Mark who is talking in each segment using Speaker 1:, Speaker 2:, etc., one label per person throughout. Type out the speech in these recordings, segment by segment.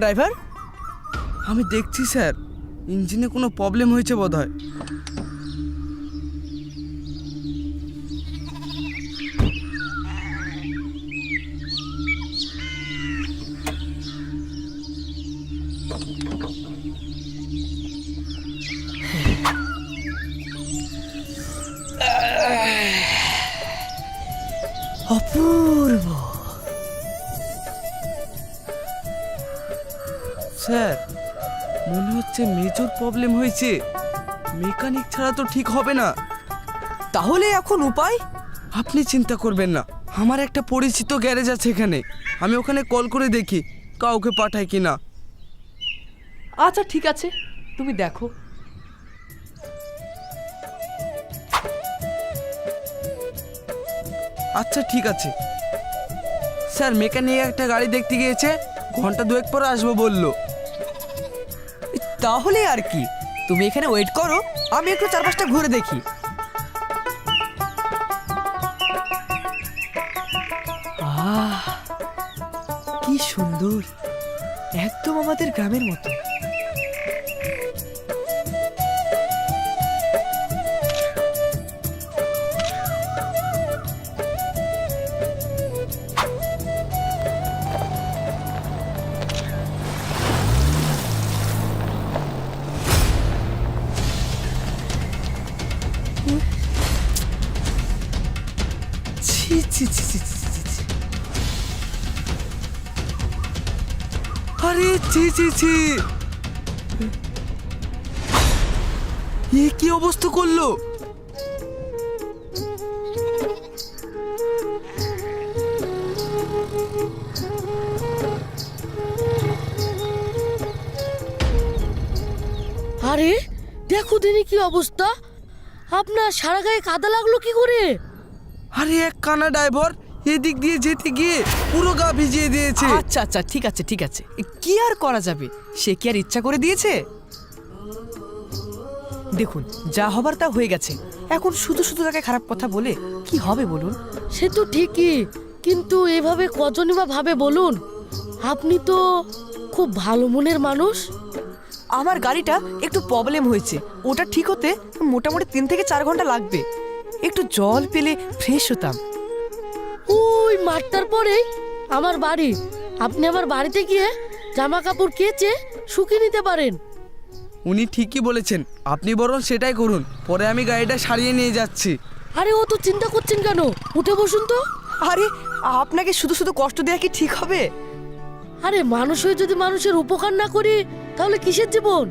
Speaker 1: Driver?
Speaker 2: আমি দেখছি sir, ইঞ্জিনে কোনো প্রবলেম হয়েছে বোধহয়।
Speaker 1: অপূর্ব।
Speaker 2: স্যার, মনে হচ্ছে মেজর প্রবলেম হয়েছে। মেকানিক ছাড়া তো ঠিক হবে না।
Speaker 1: তাহলে এখন উপায়?
Speaker 2: আপনি চিন্তা করবেন না, আমার একটা পরিচিত গ্যারেজ আছে এখানে। আমি ওখানে কল করে দেখি কাউকে পাঠায় কি না।
Speaker 3: আচ্ছা ঠিক আছে, তুমি দেখো।
Speaker 2: আচ্ছা ঠিক আছে স্যার, মেকানিক একটা গাড়ি দেখতে গিয়েছে, ঘন্টা দুয়েক পর আসবো বললো।
Speaker 1: তাহলে আর কি, তুমি এখানে ওয়েট করো, আমি একটু চারপাশটা ঘুরে দেখি। আহ, কি সুন্দর, একদম আমাদের গ্রামের মতো। ছি ছি ছি ছি ছি ছি ছি।
Speaker 2: আরে ছি ছি ছি, এ কি অবস্থা করলো?
Speaker 4: আরে দেখো দিনে কি অবস্থা, আপনার সারা গায়ে কাদা লাগলো কি করে?
Speaker 2: আরে এক কানা ড্রাইভার এদিক দিয়ে যেতে গিয়ে পুরো গা ভিজিয়ে দিয়েছে।
Speaker 1: আচ্ছা আচ্ছা ঠিক আছে ঠিক আছে, কি আর করা যাবে, সে কি আর ইচ্ছা করে দিয়েছে? দেখুন, যা হবার তা হয়ে গেছে, এখন শুধু শুধু তাকে খারাপ কথা বলে কি হবে বলুন?
Speaker 4: সে তো ঠিকই, কিন্তু এভাবে কজনই বা ভাবে বলুন? আপনি তো খুব ভালো মনের মানুষ।
Speaker 1: আমার গাড়িটা একটু প্রবলেম হয়েছে, ওটা ঠিক হতে মোটামুটি 3 থেকে 4 ঘন্টা লাগবে। একটু জল পেলে ফ্রেশ হতাম।
Speaker 4: ওই মাঠটার পরেই আমার বাড়ি, আপনি আমার বাড়িতে গিয়ে জামা কাপড় কেচে শুকিয়ে নিতে পারেন।
Speaker 2: উনি ঠিকই বলেছেন, আপনি বরং সেটাই করুন, পরে আমি গাড়িটা সারিয়ে নিয়ে যাচ্ছি।
Speaker 4: আরে ও তো চিন্তা করছেন কেন, উঠে বসুন তো।
Speaker 1: আরে আপনাকে শুধু শুধু কষ্ট দেওয়া কি ঠিক হবে?
Speaker 4: আরে মানুষ হয়ে যদি মানুষের উপকার না করি তাহলে কিসের জীবন?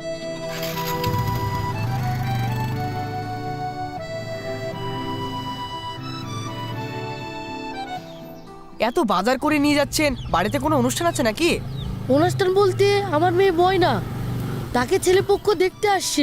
Speaker 1: এত বাজার করে নিয়ে যাচ্ছেন, বাড়িতে কোনো অনুষ্ঠান আছে নাকি?
Speaker 4: অনুষ্ঠান বলতে আমার মেয়ে ময়না, তাকে ছেলেপক্ষ দেখতে আসছে।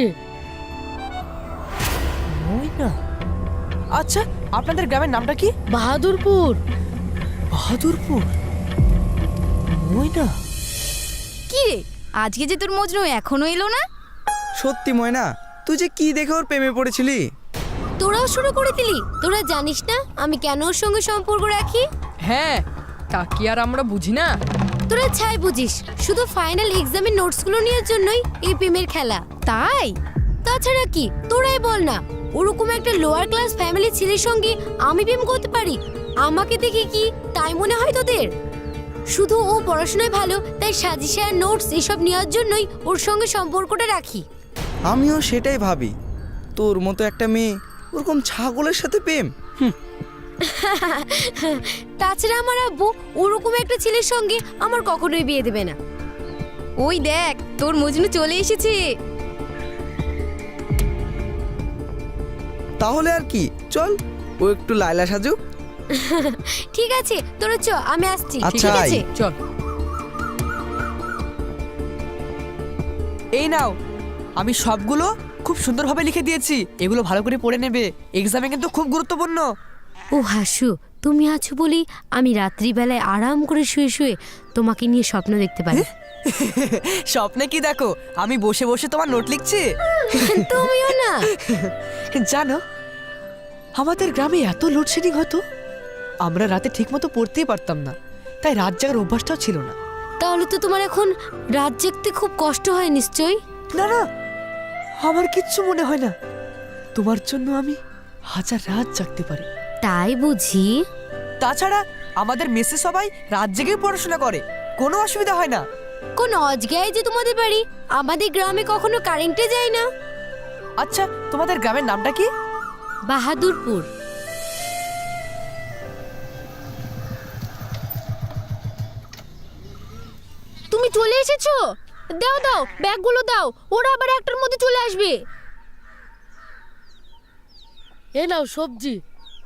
Speaker 1: ময়না? আচ্ছা, আপনাদের গ্রামের নামটা কি?
Speaker 4: বাহাদুরপুর।
Speaker 1: বাহাদুরপুর? ময়না?
Speaker 5: কি রে, আজকে যে তোর মজনু এখনো এলো না?
Speaker 2: সত্যি ময়না, তুই যে কি দেখে ওর প্রেমে পড়েছিলি?
Speaker 6: তোরাও শুরু করে দিলি? তোরা জানিস না আমি কেন ওর সঙ্গে সম্পর্ক রাখি?
Speaker 3: হ্যাঁ, তা কি আর আমরা বুঝি না?
Speaker 6: তোরা ছাই বুঝিস, শুধু ফাইনাল এক্সামের নোটসগুলো নেওয়ার জন্যই এই প্রেমের খেলা।
Speaker 5: তাই?
Speaker 6: তাছাড়া কি, তোরাই বল না, ওরকম একটা লোয়ার ক্লাস ফ্যামিলি ছেলের সঙ্গে আমি প্রেম করতে পারি? আমাকে দেখে কি তাই মনে হয় তোদের? শুধু ও পড়াশোনায় ভালো তাই সাজেশন নোটস এসব নেওয়ার জন্যই ওর সঙ্গে সম্পর্কটা রাখি।
Speaker 2: আমিও সেটাই ভাবি, তোর মতো একটা মেয়ে ওরকম ছাগলের সাথে প্রেম।
Speaker 6: তাছাড়া আমার আব্বু ওরকম একটা ছেলের সঙ্গে আমার কখনোই বিয়ে দেবে না।
Speaker 5: ওই দেখ, তোর মজনু চলে এসেছে।
Speaker 2: তাহলে আর কি, চল ও একটু লায়লা সাজুক।
Speaker 6: ঠিক আছে, তোরা চ, আমি আসছি।
Speaker 2: আচ্ছা,
Speaker 6: ঠিক আছে,
Speaker 3: চল।
Speaker 1: এই নাও, আমি সবগুলো খুব সুন্দরভাবে লিখে দিয়েছি, এগুলো ভালো করে পড়ে নেবে, এক্সামে কিন্তু খুব গুরুত্বপূর্ণ।
Speaker 6: ও হাসু, তুমি আছো বলি আমি রাত্রিবেলায় আরাম করে শুয়ে শুয়ে তোমাকে নিয়ে স্বপ্ন দেখতে পারি।
Speaker 1: স্বপ্নে কি দেখো, আমি বসে বসে তোমার নোট লিখছি।
Speaker 6: তুমিও না?
Speaker 1: জানো, আমাদের গ্রামে এত লোডশেডিং হতো, আমরা রাতে ঠিকমতো পড়তেই পারতাম না, তাই রাত জাগার অভ্যাসটাও ছিল না।
Speaker 6: তাহলে তো তোমার এখন রাত জাগতে খুব কষ্ট হয় নিশ্চয়ই।
Speaker 1: না না, আমার কিচ্ছু মনে হয় না। তোমার জন্য আমি হাজার রাত জাগতে পারি।
Speaker 6: তাই বুঝি?
Speaker 1: তাছাড়া আমাদের মেসে সবাই রাত জেগে পড়াশোনা করে, কোনো অসুবিধা হয় না।
Speaker 6: কোন অজগায় যে তোমাদের বাড়ি, আমাদের গ্রামে কখনো কারেন্টে যায় না।
Speaker 1: আচ্ছা, তোমাদের গ্রামের নামটা কি?
Speaker 6: বাহাদুরপুর। তুমি চলে এসেছো? দাও দাও, ব্যাগগুলো দাও, ওরা আবার একটার মধ্যে চলে আসবে।
Speaker 4: এ নাও সবজি,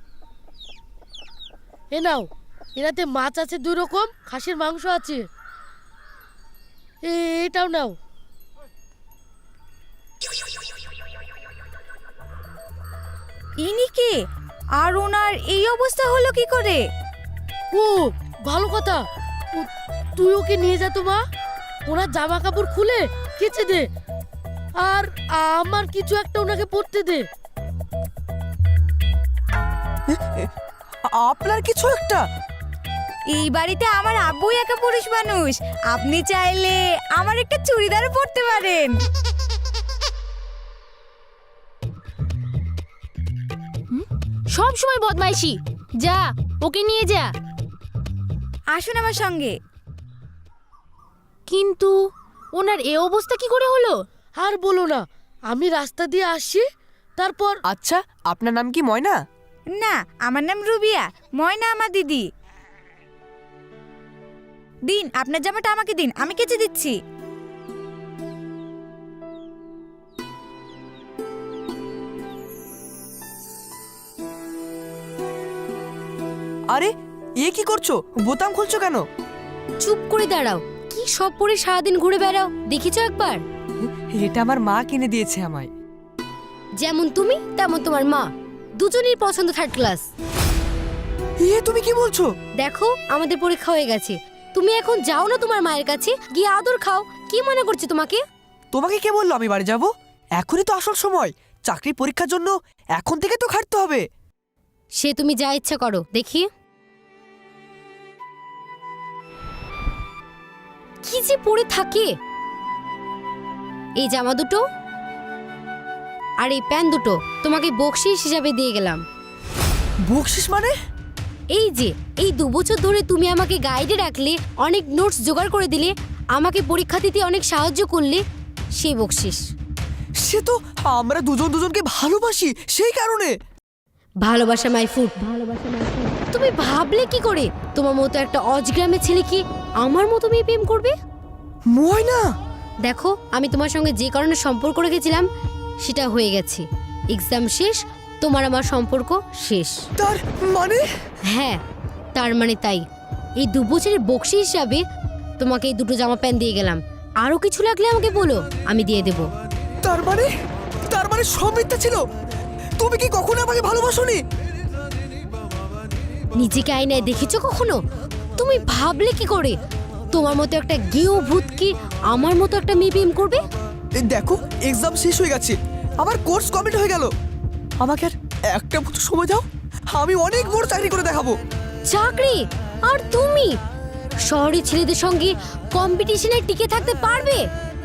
Speaker 4: এ নাও। এরাতে মাছ আছে 2 রকম, খাসির মাংস আছে। এটাও নাও।
Speaker 5: ইনি কে? আর ওনার এই অবস্থা হলো কি করে?
Speaker 4: ও ভালো কথা, তুই ওকে নিয়ে যা তো মা। ওনার জামা কাপড় খুলে কেচে দে, আর আমার কিছু একটা ওনাকে পরতে দে।
Speaker 1: আপনার কিছু একটা?
Speaker 5: এই বাড়িতে আমার আব্বুই একা পুরুষ মানুষ, আপনি চাইলে আমার একটা চুড়িদারও পরতে পারেন।
Speaker 6: সব সময় বদমাইশি। যা, ওকে নিয়ে যা।
Speaker 5: আসুন আমার সঙ্গে।
Speaker 6: কিন্তু ওনার এ অবস্থা কি করে হলো?
Speaker 4: আর বলো না, আমি রাস্তা দিয়ে আসছি, তারপর
Speaker 1: আচ্ছা, আপনার নাম কি ময়না?
Speaker 5: না, আমার নাম রুবিয়া, ময়না আমার দিদি। দিন, আপনার জামাটা আমাকে দিন, আমি কেচে দিচ্ছি।
Speaker 1: আরে, এ কি করছো? বোতাম খুলছো কেন?
Speaker 6: চুপ করে দাঁড়াও। কি সব পরে সারাদিন ঘুরে বেড়াও, দেখেছো একবার?
Speaker 1: এটা আমার মা কিনে দিয়েছে আমায়।
Speaker 6: যেমন তুমি তেমন তোমার মা, দুজনেই পছন্দ 3rd ক্লাস।
Speaker 1: এ তুমি কি বলছো?
Speaker 6: দেখো, আমাদের পরীক্ষা হয়ে গেছে, তুমি এখন যাও না তোমার মায়ের কাছে, গিয়ে আদর খাও। কি মনে করছে তোমাকে?
Speaker 1: তোমাকে কে বললো আমি বাড়ি যাব? এখনই তো আসল সময়, চাকরি পরীক্ষার জন্য এখন থেকে তো খাটতে হবে।
Speaker 6: সে তুমি যা ইচ্ছা করো, দেখি। কি যে পরে থাকে। এই জামা দুটো আর এই প্যান্ট দুটো তোমাকে বকশিস হিসাবে দিয়ে গেলাম।
Speaker 1: বকশিস মানে?
Speaker 6: এই যে এই 2 বছর ধরে তুমি আমাকে গাইডে রাখলে, অনেক নোটস জোগাড় করে দিলে, আমাকে পরীক্ষা দিতে অনেক সাহায্য করলে, সেই বকশিস।
Speaker 1: সে তো আমরা দুজন দুজনকে ভালোবাসি, সেই কারণে।
Speaker 6: ভালোবাসা মাই ফুড। তুমি ভাবলে কি করে তোমার মতো একটা অজগ্রামের ছেলে কি আমার মতো মেয়ে প্রেম করবে?
Speaker 1: ময়না,
Speaker 6: দেখো, আমি তোমার সঙ্গে যে কারণে সম্পর্ক রেখেছিলাম সেটা হয়ে গেছে। এক্সাম শেষ, তোমার আমার সম্পর্ক শেষ।
Speaker 1: তার মানে?
Speaker 6: হ্যাঁ, তার মানে তাই। এই 2 বছরের বকশি হিসাবে তোমাকে এই 2টো জামা প্যান্ট দিয়ে গেলাম। আরো কিছু লাগলে আমাকে বলো, আমি দিয়ে দেব।
Speaker 1: তার মানে সব মিথ্যা ছিল? তুমি কি কখনো আমাকে ভালোবাসোনি?
Speaker 6: নিজেকে আয়নায় দেখেছো কখনো? তুমি ভাবলে কি করে তোমার মতো একটা গেও ভূত কি আমার মতো একটা মেয়ে প্রেম করবে?
Speaker 1: এই দেখো, এক্সাম শেষ হয়ে গেছে, আমার কোর্স কমপ্লিট হয়ে গেল। আমাকে আর একটা বছর সময় দাও, আমি অনেক বড় চাকরি করে দেখাবো।
Speaker 6: চাকরি? আর তুমি শহরের ছেলেদের সঙ্গে কম্পিটিশনে টিকে থাকতে পারবে?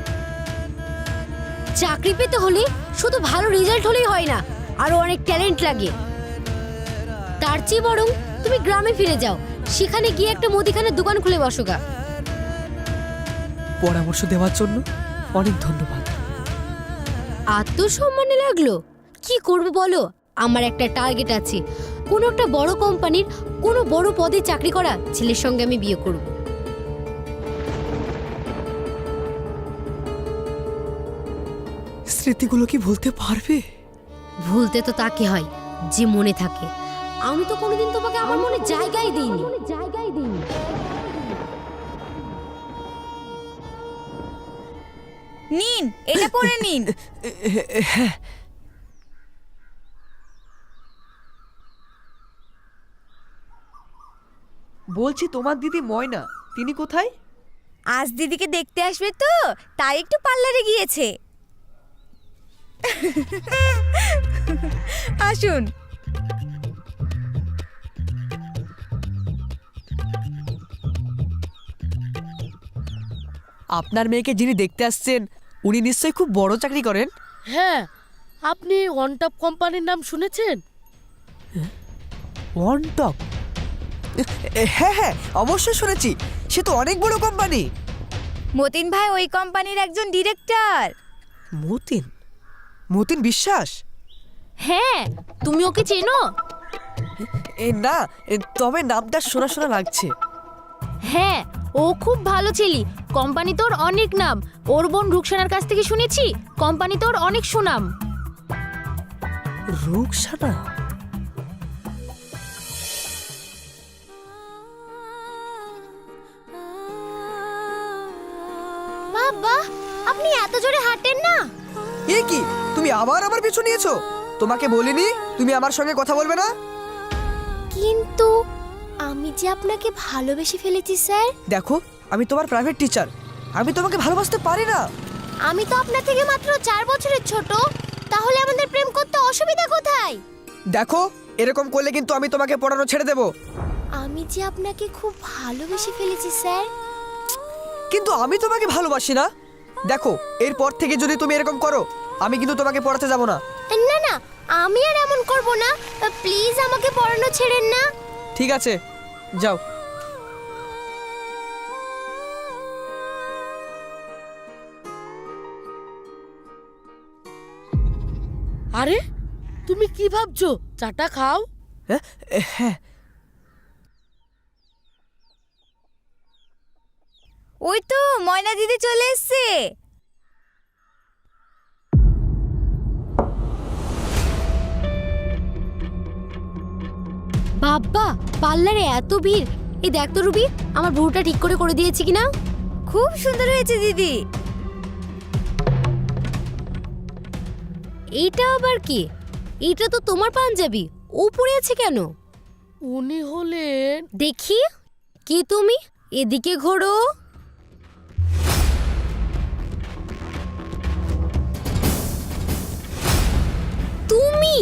Speaker 6: চাকরি পেতে হলে শুধু ভালো রেজাল্ট হলেই হয় না, আরো অনেক ট্যালেন্ট লাগে। তার চেয়ে বরং তুমি গ্রামে ফিরে যাও, সেখানে গিয়ে একটা মুদিখানার দোকান খুলে বসো গা।
Speaker 1: পরামর্শ দেওয়ার জন্য অনেক ধন্যবাদ।
Speaker 6: আত্মসম্মানে লাগলো? কি করবে বলো? আমার একটা টার্গেট আছে, কোনো একটা বড় কোম্পানির কোনো বড় পদে চাকরি করা ছেলের সঙ্গে আমি বিয়ে করব।
Speaker 1: স্মৃতিগুলো কি ভুলতে পারবে?
Speaker 6: ভুলতে তো তাকে হয় যে মনে থাকে। আমি তো কোনোদিন তোমাকে আমার মনে জায়গাই দিইনি।
Speaker 5: নিন, এটা পরে নিন।
Speaker 1: বলছি, তোমার দিদি ময়না, তিনি কোথায়?
Speaker 5: আজ দিদিকে দেখতে আসবে তো, তাই একটু পার্লারে গিয়েছে। আসুন।
Speaker 1: আপনার মেয়েকে যিনি দেখতে আসছেন উনি নিশ্চয়ই খুব বড় চাকরি করেন।
Speaker 4: হ্যাঁ, আপনি ওয়ান টপ কোম্পানির নাম শুনেছেন?
Speaker 1: One top? হ্যাঁ হ্যাঁ, অবশ্যই শুনেছি। সে তো অনেক বড় কোম্পানি।
Speaker 5: মতিন ভাই ওই কোম্পানির একজন ডিরেক্টর।
Speaker 1: মতিন? মতিন বিশ্বাস?
Speaker 6: হ্যাঁ, তুমি ওকে চেনো?
Speaker 1: না, তবে নামটা শোনা শোনা লাগছে।
Speaker 6: হ্যাঁ, ও খুব ভালো ছেলে। কোম্পানি তোর অনেক নাম। ওর বোন রুকসানার কাছ থেকে শুনেছি কোম্পানি তোর অনেক সুনাম।
Speaker 1: রুকসানা?
Speaker 6: বাবা, আপনি এত জোরে হাঁটেন না।
Speaker 1: এ কি, তুমি আবার আমার পিছু নিয়েছো? তোমাকে বলিনি তুমি আমার সঙ্গে কথা বলবে না?
Speaker 6: কিন্তু আমি যে আপনাকে ভালোবেসে ফেলেছি স্যার।
Speaker 1: দেখো, আমি তোমার প্রাইভেট টিচার, আমি তোমাকে ভালোবাসতে পারি না।
Speaker 6: আমি তো আপনার থেকে মাত্র 4 বছরের ছোট। তাহলে আমাদের প্রেম করতে অসুবিধা কোথায়?
Speaker 1: দেখো, এরকম করলে কিন্তু আমি তোমাকে পড়ানো ছেড়ে দেব।
Speaker 6: আমি যে আপনাকে খুব ভালোবেসে ফেলেছি স্যার।
Speaker 1: কিন্তু আমি তোমাকে ভালোবাসি না। দেখো, এরপর থেকে যদি তুমি এরকম করো আমি কিন্তু তোমাকে পড়াতে যাব না।
Speaker 6: না না, আমি আর এমন করব না। প্লিজ আমাকে পড়ানো ছেড়েন না।
Speaker 1: ঠিক আছে, যাও।
Speaker 4: আরে, তুমি কি ভাবছো? চাটা খাও।
Speaker 1: হ্যাঁ,
Speaker 5: ওই তো ময়না দিদি চলে এসছে।
Speaker 6: বাবা, পার্লারে এত ভিড়। এই দেখ তো রুবি, আমার ভুরুটা ঠিক করে দিয়েছি কিনা।
Speaker 5: খুব সুন্দর হয়েছে দিদি।
Speaker 6: এইটা আবার কি? এইটা তো তোমার পাঞ্জাবি। ও পরে আছে কেন?
Speaker 4: উনি হলেন...
Speaker 6: দেখি, কে তুমি? এদিকে ঘোরো। তুমি?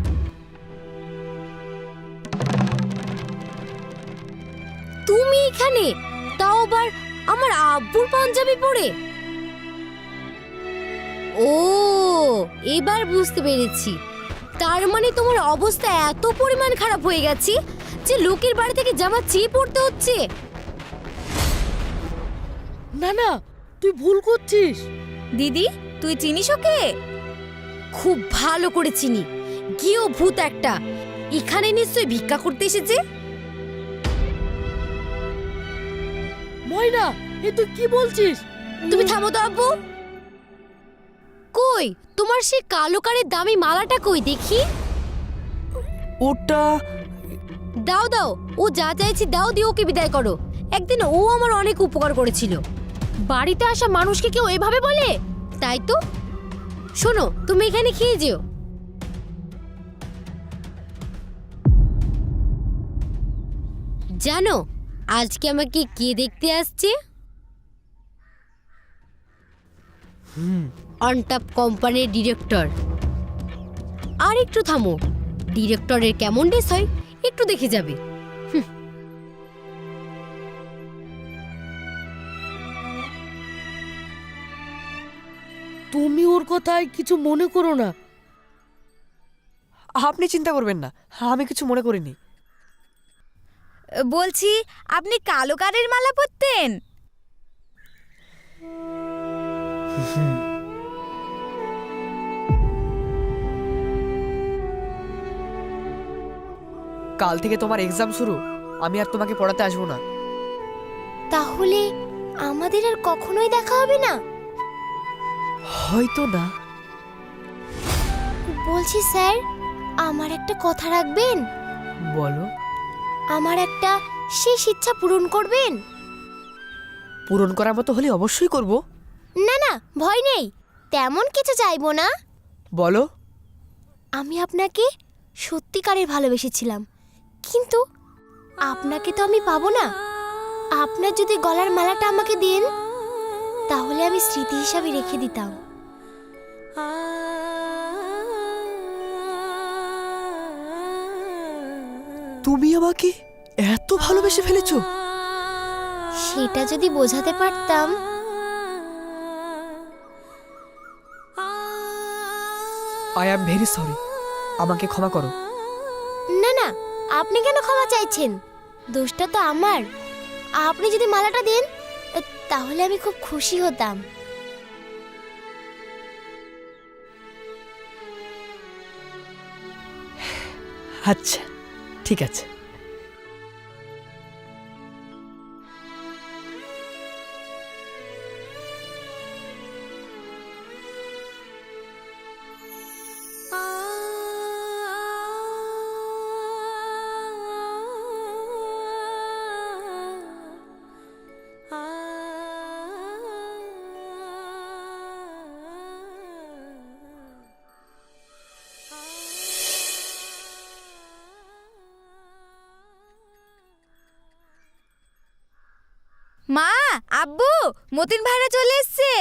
Speaker 6: তুমি এখানে? তাও আবার আমার আব্বুর পাঞ্জাবি পরে? ও, এবার বুঝতে পেরেছি। তার মানে তোমার অবস্থা এত পরিমাণ খারাপ হয়ে গেছে যে লোকের বাড়ি থেকে জামা চেয়ে পড়তে হচ্ছে।
Speaker 4: না না, তুই ভুল করছিস।
Speaker 5: দিদি, তুই চিনিস ওকে?
Speaker 6: খুব ভালো করে চিনি। গিয়েও ভূত একটা। এখানে নিশ্চয়ই ভিক্ষা করতে এসেছে।
Speaker 4: ময়না, এ তুই কি বলছিস?
Speaker 6: তুমি থামো তো আব্বু। কই তোমার সেই কালো কারের দামি মালাটা কই দেখি?
Speaker 1: ওটা
Speaker 6: দাও দাও, ও যা চাইছি দাও, দিয়ে ওকে বিদায় করো। একদিন ও আমার অনেক উপকার করেছিল। বাড়িতে আসা মানুষকে কেউ এভাবে বলে? তাই তো। শোনো, তুমি এখানে খেয়ে যেও। জানো আজকে আমাকে কে দেখতে আসছে? অনটপ কোম্পানির ডিরেক্টর। আর একটু থামো, ডিরেক্টরের কেমন ড্রেস হয় একটু দেখে যাবে।
Speaker 4: তুমি ওর কথায় কিছু মনে করো না।
Speaker 1: আপনি চিন্তা করবেন না, আমি কিছু মনে করিনি।
Speaker 5: বলছি, আপনি কালো কারের মালা পরতেন?
Speaker 1: কাল থেকে তোমার এক্সাম শুরু, আমি আর তোমাকে পড়াতে আসবো না।
Speaker 6: তাহলে আমাদের আর কখনোই দেখা হবে না?
Speaker 1: হয়তো না।
Speaker 6: বলছি স্যার, আমার একটা কথা রাখবেন?
Speaker 1: বলো।
Speaker 6: আমার একটা শেষ ইচ্ছা পূরণ করবেন?
Speaker 1: পূরণ করার মতো হলে অবশ্যই করব।
Speaker 6: না না, ভয় নেই, তেমন কিছু চাইবো না।
Speaker 1: বলো।
Speaker 6: আমি আপনাকে সত্যিকারের ভালোবেসেছিলাম, কিন্তু আপনাকে তো আমি পাবো না। আপনার যদি গলার মালাটা আমাকে দেন তাহলে আমি স্মৃতি হিসাবে রেখে দিতাম।
Speaker 1: তুমি আমাকে এত ভালোবেসে ফেলেছো?
Speaker 6: সেটা যদি বোঝাতে পারতাম
Speaker 1: আই অ্যাম ভেরি সরি, আমাকে ক্ষমা করো।
Speaker 6: না না, আপনি কেন ক্ষমা চাইছেন? দোষটা তো আমার। আপনি যদি মালাটা দেন তাহলে আমি খুব খুশি হতাম।
Speaker 1: আচ্ছা ঠিক আছে।
Speaker 5: মা, আব্বু, মতিন ভাইরা চলে এসছে।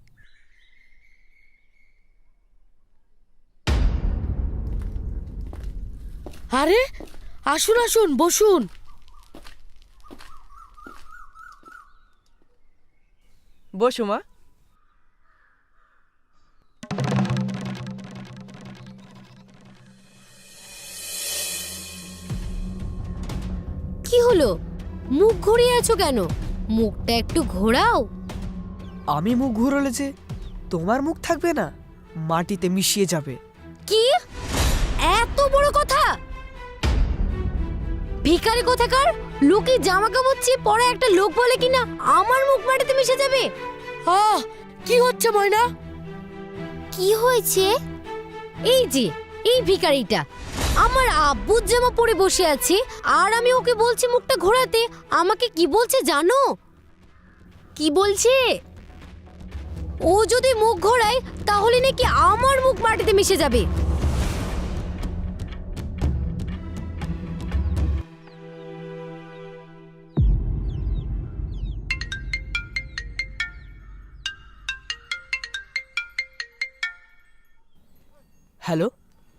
Speaker 4: আরে আসুন আসুন, বসুন।
Speaker 1: বসো মা।
Speaker 6: কি হলো, মুখ ঘুরিয়ে আছো কেন? মুখটা একটু ঘোরাও।
Speaker 1: আমি মুখ ঘুরলে যে তোমার মুখ থাকবে না, মাটিতে মিশিয়ে যাবে।
Speaker 6: কি এত বড় কথা? ভিখারি কোথাকার, লোকে জামা কাপড় চেয়ে পরে একটা লোক বলে কিনা আমার মুখ মাটিতে মিশে যাবে।
Speaker 4: আহ, কি হচ্ছে ময়না?
Speaker 6: কি হয়েছে? এই যে এই ভিখারিটা আমার আব্বুর জামা পরে বসে আছে, আর আমি ওকে বলছি মুখটা ঘোরাতে। আমাকে কি বলছে জানো? কি বলছে? ও যদি মুখ ঘোরায় তাহলে নাকি আমার মুখ মাটিতে মিশে যাবে।
Speaker 1: হ্যালো,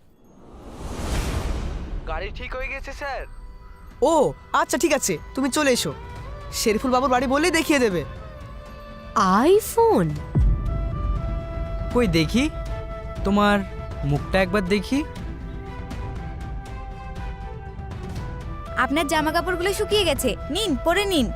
Speaker 2: গাড়ি ঠিক হয়ে গেছে স্যার।
Speaker 1: ও আচ্ছা ঠিক আছে, তুমি চলে এসো। শেরিফুল বাবুর বাড়ি বলেই দেখিয়ে দেবে।
Speaker 6: আইফোন?
Speaker 2: কই দেখি, তোমার মুখটা একবার দেখি।
Speaker 5: আপনার জামা কাপড়গুলো শুকিয়ে গেছে, নিন পরে নিন।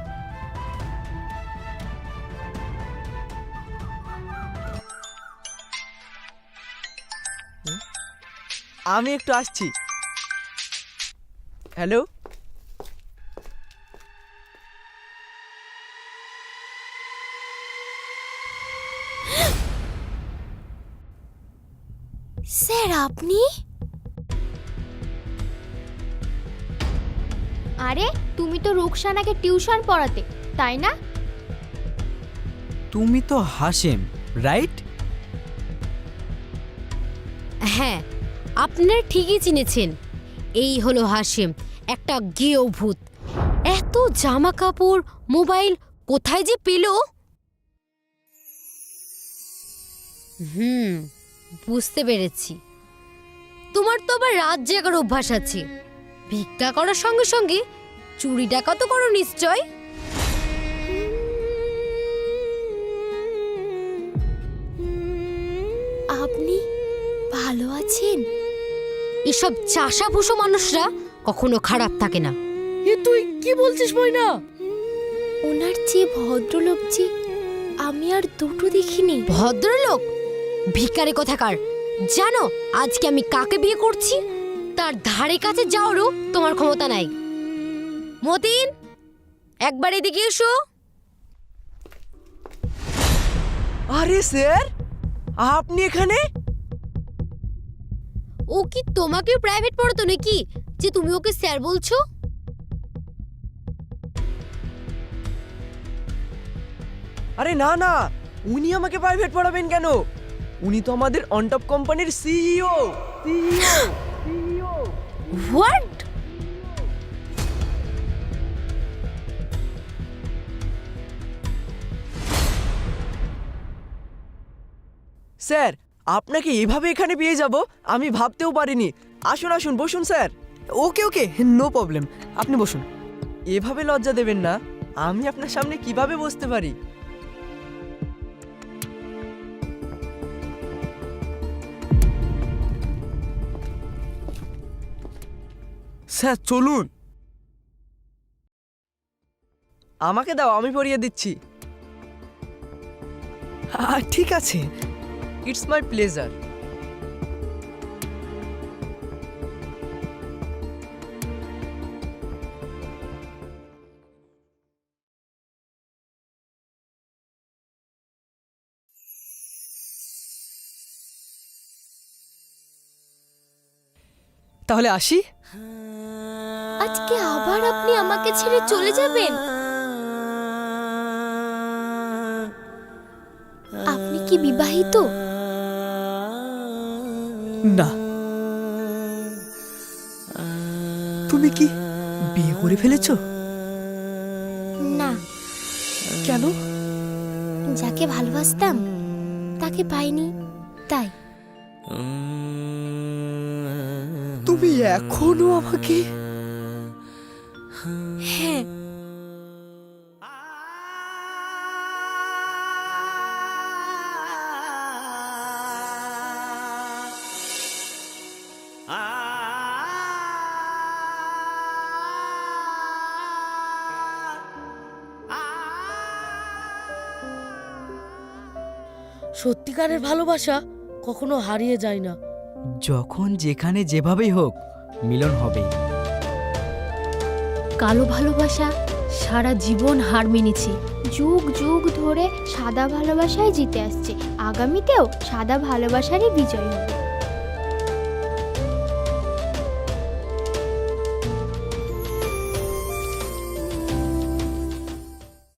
Speaker 1: আমি একটু আসছি। হ্যালো,
Speaker 6: স্যার আপনি?
Speaker 7: আরে তুমি তো রুকসানাকে টিউশন পড়াতে, তাই না?
Speaker 2: তুমি তো হাশেম, রাইট?
Speaker 6: হ্যাঁ, আপনারা ঠিকই চিনেছেন। এই হলো হাশেম, একটা গেও ভূত। এত জামা কাপড়, মোবাইল কোথায় যে পেল? বুঝতে পেরেছি। তোমার তো আবার রাত জাগার অভ্যাস আছে। ভিক্ষা করার সঙ্গে সঙ্গে চুরি ডাকাতও করো নিশ্চয়। আপনি ভালো আছেন? এসব চাষাভুষো মানুষরা কখনো খারাপ থাকে না।
Speaker 4: এ তুই কি বলছিস ময়না?
Speaker 6: ওনার চেয়ে ভদ্রলোক যে আমি আর দুটো দেখিনি। ভদ্রলোক? ভিখারি কোথাকার। জানো আজকে আমি কাকে বিয়ে করছি? তার ধারে কাছে যাওয়ারও তোমার ক্ষমতা নাই। মতিন, একবার এদিকে এসো।
Speaker 1: আরে স্যার, আপনি এখানে?
Speaker 6: ও কি তোমাকেও প্রাইভেট পড়াতো নাকি যে তুমি ওকে স্যার বলছো?
Speaker 1: আরে না না, উনি আমাকে প্রাইভেট পড়াবেন কেন? উনি তো আমাদের অনটপ কোম্পানির সিইও।
Speaker 6: হোয়াট?
Speaker 1: স্যার, আপনাকে এভাবে এখানে পেয়ে যাব আমি ভাবতেও পারিনি। আসুন আসুন, বসুন sir. Okay okay, no problem, আপনি বসুন। এভাবে লজ্জা দেবেন না, আমি আপনার সামনে কিভাবে বসতে পারি?
Speaker 2: স্যার চলুন।
Speaker 1: আমাকে দাও, আমি পরিয়ে দিচ্ছি।
Speaker 8: ঠিক আছে।
Speaker 1: It's my pleasure.
Speaker 8: তাহলে আসি।
Speaker 7: আজকে আবার আপনি আমাকে ছেড়ে চলে যাবেন? আপনি কি বিবাহিত?
Speaker 8: না। তুমি কি বিয়ে করে ফেলেছো?
Speaker 7: না।
Speaker 8: কেন?
Speaker 7: যাকে ভালোবাসতাম তাকে পাইনি, তাই।
Speaker 8: তুমি এখনো আমাকে?
Speaker 7: হ্যাঁ।
Speaker 4: সত্যিকারের ভালোবাসা কখনো হারিয়ে যায় না।
Speaker 8: যখন যেখানে যেভাবেই হোক মিলন হবেই।
Speaker 7: কালো ভালোবাসা সারা জীবন হার মেনেছে, যুগ যুগ ধরে সাদা ভালোবাসায় জিতে আসছে। আগামীতেও সাদা ভালোবাসারই বিজয় হবে।